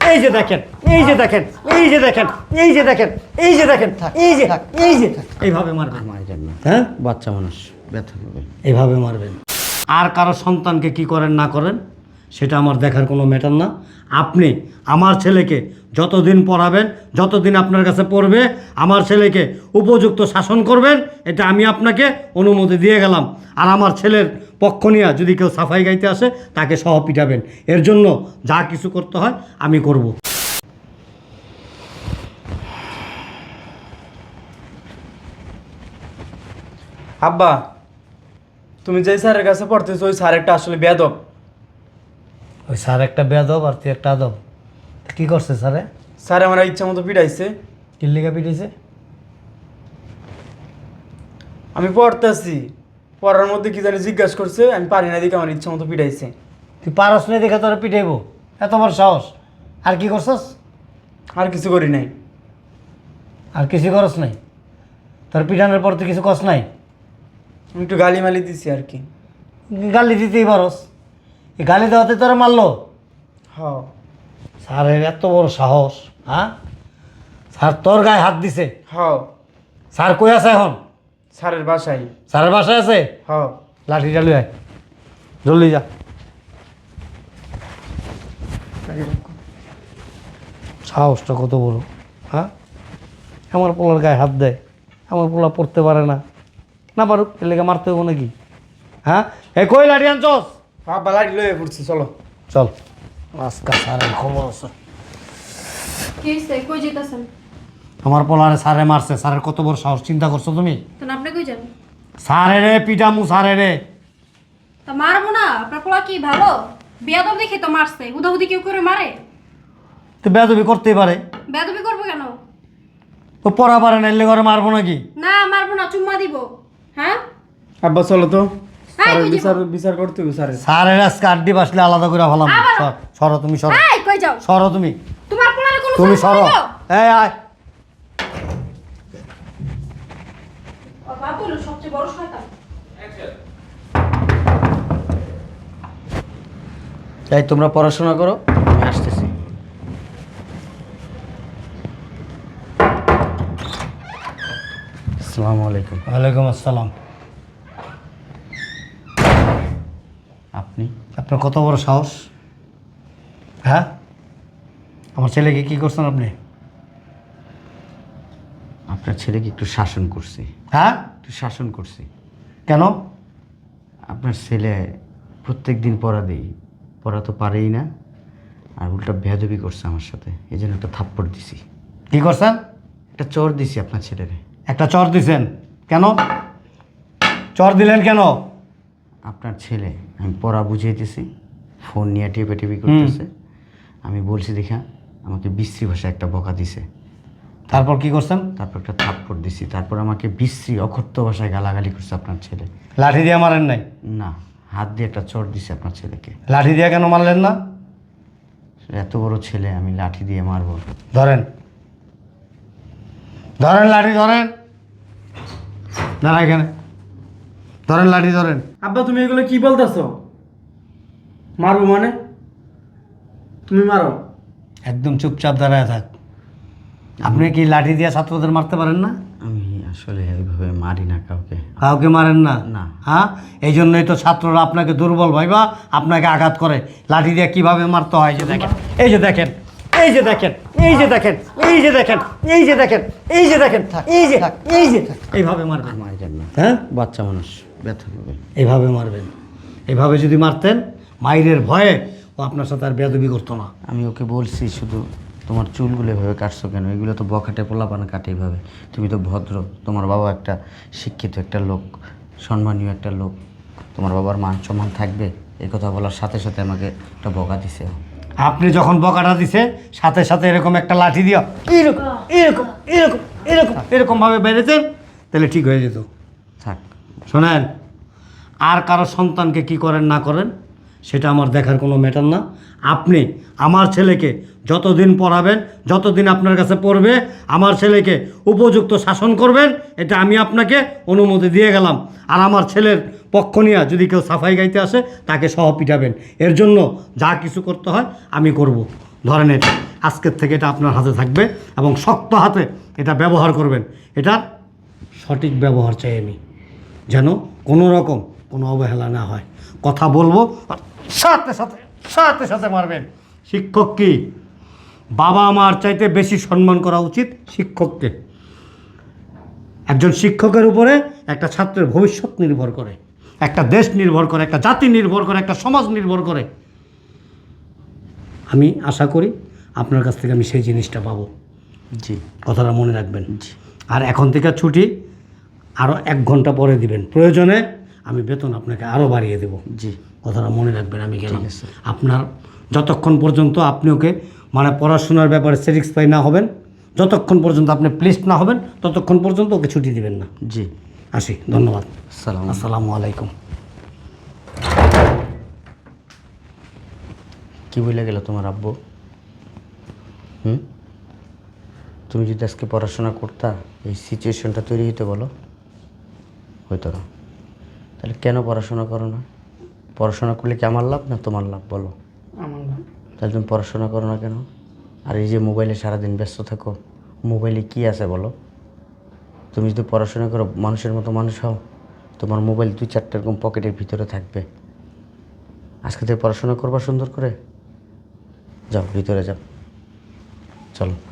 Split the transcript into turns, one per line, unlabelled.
এই যে দেখেন, এই যে দেখেন, এই যে দেখেন, এই যে দেখেন, এই যে দেখেন, এই যে থাক, এই যে থাক। এইভাবে মারবেন।
মারবেন না,
হ্যাঁ,
বাচ্চা মানুষ ব্যথা পাবে।
এইভাবে মারবেন। আর কারো সন্তানকে কি করেন না করেন সেটা আমার দেখার কোনো ম্যাটার না। আপনি আমার ছেলেকে যতদিন পড়াবেন, যতদিন আপনার কাছে পড়বে, আমার ছেলেকে উপযুক্ত শাসন করবেন, এটা আমি আপনাকে অনুমতি দিয়ে গেলাম। আর আমার ছেলের পক্ষ নিয়ে যদি কেউ সাফাই গাইতে আসে তাকে সহ পিটাবেন। এর জন্য যা কিছু করতে হয় আমি করব।
আব্বা, তুমি যে স্যারের কাছে পড়তেছো ওই স্যার একটা আসলে বেয়াদব।
ওই স্যার একটা বেয়াদব আর তুই একটা আদব। কী করছে স্যারে?
স্যার আমার ইচ্ছা মতো পিটাইছে।
কিল্লিকা পিটিয়েছে?
আমি পড়তেছি, পড়ার মধ্যে কি জানি জিজ্ঞাসা করছে, আমি পারি না দেখে আমার ইচ্ছা মতো পিটাইছে।
তুই পারস না দেখে তোরা পিটাইব? এত বড় সাহস! আর কি করছস?
আর কিছু করি নাই।
আর কিছু করস নাই? তোর পিটানোর পর তুই কিছু কস নাই?
আমি একটু গালি মালি দিছি আর কি।
গালি দিতেই পারস। এই গালি দেওয়াতে তোরা মারলো?
হ্যাঁ।
স্যারের এত বড় সাহস! হ্যাঁ, স্যার তোর গায়ে হাত দিছে?
হ্যাঁ,
স্যার কই আছে এখন?
স্যারের বাসায়।
স্যারের বাসায় আছে?
হ্যাঁ।
লাঠি চালু আয়, জলদি যা। সাহসটা কত বড়! হ্যাঁ, আমার পোলার গায়ে হাত দেয়। আমার পোলা পড়তে পারে না, না পারুক, এর লেগে মারতে হবো নাকি? হ্যাঁ, এ কই লাঠি আনছস?
আব্বা লাঠি লয়ে পড়ছি, চলো।
চল, আজকা স্যারের খবর আছে।
কি হইছে? কই যেতেছেন?
আমার পোলারে স্যারে মারছে। স্যারের কত বড় সাহস, চিন্তা করছো তুমি?
তো আপনি কই যান?
স্যারে রে পিটামু, স্যারে রে।
তা মারবো না? আপনার পোলা কি ভালো? বেয়াদব দেখে তো মারছে। হুদাহুদি কেউ করে মারে?
তো বেয়াদবি করতেই পারে,
বেয়াদবি করবো কেন?
তো পড়া পারে না, এলে ঘরে মারবো নাকি?
না মারবো না, চুম্মা দিব। হ্যাঁ,
আব্বা চলো তো, স্যারের
কই
বিচার
যাবো?
বিচার করতে হবে স্যারের।
স্যারের আজকে আড্ডি বাসলে আলাদা করে ফেলাম।
আবার?
সরো তুমি, সরো,
এই কই যাও?
সরো তুমি,
তোমার পোলারে কোনো
তুমি
সমস্যা
সরো।
হইলো?
এই আয়।
ওর বাপ হলো সবচেয়ে বড় শয়তান।
এই তোমরা পড়াশোনা করো, আমি আসতেছি। আসসালামু আলাইকুম।
ওয়ালাইকুম আসসালাম।
আপনি?
আপনার কত বড় সাহস! হ্যাঁ, আমার ছেলেকে কি করছেন আপনি?
আপনার ছেলেকে একটু শাসন করছি।
হ্যাঁ,
একটু শাসন করছি।
কেন?
আপনার ছেলে প্রত্যেক দিন পড়া দেই, পড়া তো পারেই না, আর উল্টা বেয়াদবি করছে আমার সাথে, এই জন্য একটা থাপ্পড় দিছি।
কি করছেন?
একটা চর দিছি আপনার ছেলেরে।
একটা চর দিছেন কেন? চর দিলেন কেন?
আপনার ছেলে, আমি পড়া বুঝাইতেছি, ফোন নিয়ে টেপি করতেছে। আমি বলছি দেখা আমাকে বিশ্রী ভাষায় একটা বকা দিছে।
তারপর কি করছেন?
তারপর একটা থাপ্পড় দিছি, তারপর আমাকে বিশ্রী অকথ্য ভাষায় গালাগালি করছে আপনার ছেলে।
লাঠি দিয়ে মারেন নাই?
না, হাত দিয়ে একটা চর দিছে আপনার ছেলেকে।
লাঠি দিয়ে কেন মারলেন না?
এত বড় ছেলে, আমি লাঠি দিয়ে মারবো?
ধরেন, ধরেন লাঠি, ধরেন। দাঁড়া এখানে, ধরেন লাঠি, ধরেন।
আব্বা তুমি এগুলো কি বলতেছো? মারবো মানে? তুমি মারো।
একদম চুপচাপ দাঁড়ায় থাক। আপনি কি লাঠি দিয়ে ছাত্রদের মারতে পারেন না?
আমি আসলে এইভাবে মারি না কাউকে।
কাউকে মারেন না?
না।
হ্যাঁ, এই জন্যই তো ছাত্ররা আপনাকে দুর্বল ভাইবা আপনাকে আঘাত করে। লাঠি দিয়ে কিভাবে মারতে হয় যে দেখেন, এই যে দেখেন, এই যে দেখেন, এই যে দেখেন, এই যে দেখেন, এই যে দেখেন, এই যে দেখেন, থাক, এই যে থাক, এই যে থাক। এইভাবে মারবেন।
মারবেন না,
হ্যাঁ,
বাচ্চা মানুষ ব্যথা পাবে।
এইভাবে মারবেন। এইভাবে যদি মারতেন, মাইরের ভয়ে ও আপনার সাথে আর বেয়াদবি করতো না।
আমি ওকে বলছি শুধু, তোমার চুলগুলো এভাবে কাটছো কেন? এগুলো তো বখাটে পোলাপান কাটে এইভাবে। তুমি তো ভদ্র, তোমার বাবা একটা শিক্ষিত একটা লোক, সম্মানীয় একটা লোক, তোমার বাবার মান সম্মান থাকবে। এই কথা বলার সাথে সাথে আমাকে একটা বকা দিছে।
আপনি যখন বকাটা দিছে সাথে সাথে এরকম একটা লাঠি দিয়া এরকম এরকম এরকম এরকম এরকমভাবে বেড়েছেন, তাহলে ঠিক হয়ে যেত।
থাক।
শোনেন, আর কারো সন্তানকে কি করেন না করেন সেটা আমার দেখার কোনো ম্যাটার না। আপনি আমার ছেলেকে যতদিন পড়াবেন, যতদিন আপনার কাছে পড়বে, আমার ছেলেকে উপযুক্ত শাসন করবেন, এটা আমি আপনাকে অনুমতি দিয়ে গেলাম। আর আমার ছেলের পক্ষ নিয়ে যদি কেউ সাফাই গাইতে আসে তাকে সহ পিটাবেন। এর জন্য যা কিছু করতে হয় আমি করব। ধরেন এটা, আজকের থেকে এটা আপনার হাতে থাকবে এবং শক্ত হাতে এটা ব্যবহার করবেন। এটার সঠিক ব্যবহার চাই আমি, যেন কোনো রকম কোনো অবহেলা না হয়। কথা বলবো আর সাথে সাথে সাথে সাথে মারবেন। শিক্ষক কি বাবা মার চাইতে বেশি সম্মান করা উচিত শিক্ষককে। একজন শিক্ষকের উপরে একটা ছাত্রের ভবিষ্যৎ নির্ভর করে, একটা দেশ নির্ভর করে, একটা জাতি নির্ভর করে, একটা সমাজ নির্ভর করে। আমি আশা করি আপনার কাছ থেকে আমি সেই জিনিসটা পাবো।
জি
কথাটা মনে রাখবেন।
জি
আর এখন থেকে ছুটি আরও 1 ঘন্টা পরে দিবেন, প্রয়োজনে আমি বেতন আপনাকে আরও বাড়িয়ে দেব।
জি
কথাটা মনে রাখবেন। আমি গেলাম।
ঠিক আছে।
আপনার যতক্ষণ পর্যন্ত আপনি ওকে মানে পড়াশোনার ব্যাপারে স্যাটিসফাই না হবেন, যতক্ষণ পর্যন্ত আপনি প্লিজড না হবেন, ততক্ষণ পর্যন্ত ওকে ছুটি দিবেন না।
জি
আসি, ধন্যবাদ।
সালাম।
আসসালামু আলাইকুম।
কি বলে গেল তোমার আব্বু? তুমি যদি আজকে পড়াশোনা করতা এই সিচুয়েশনটা তৈরি হইতে বলো, হইতো না। তাহলে কেন পড়াশোনা করো না? পড়াশোনা করলে কি আমার লাভ না তোমার লাভ বলো?
আমার না।
তাহলে তুমি পড়াশোনা করো না কেন? আর এই যে মোবাইলে সারাদিন ব্যস্ত থাকো, মোবাইলে কি আছে বলো? তুমি যদি পড়াশোনা করো, মানুষের মতো মানুষ হও, তোমার মোবাইল 2-4টা এরকম পকেটের ভিতরে থাকবে। আজকে থেকে পড়াশোনা করবা সুন্দর করে। যাও ভিতরে যাও, চলো।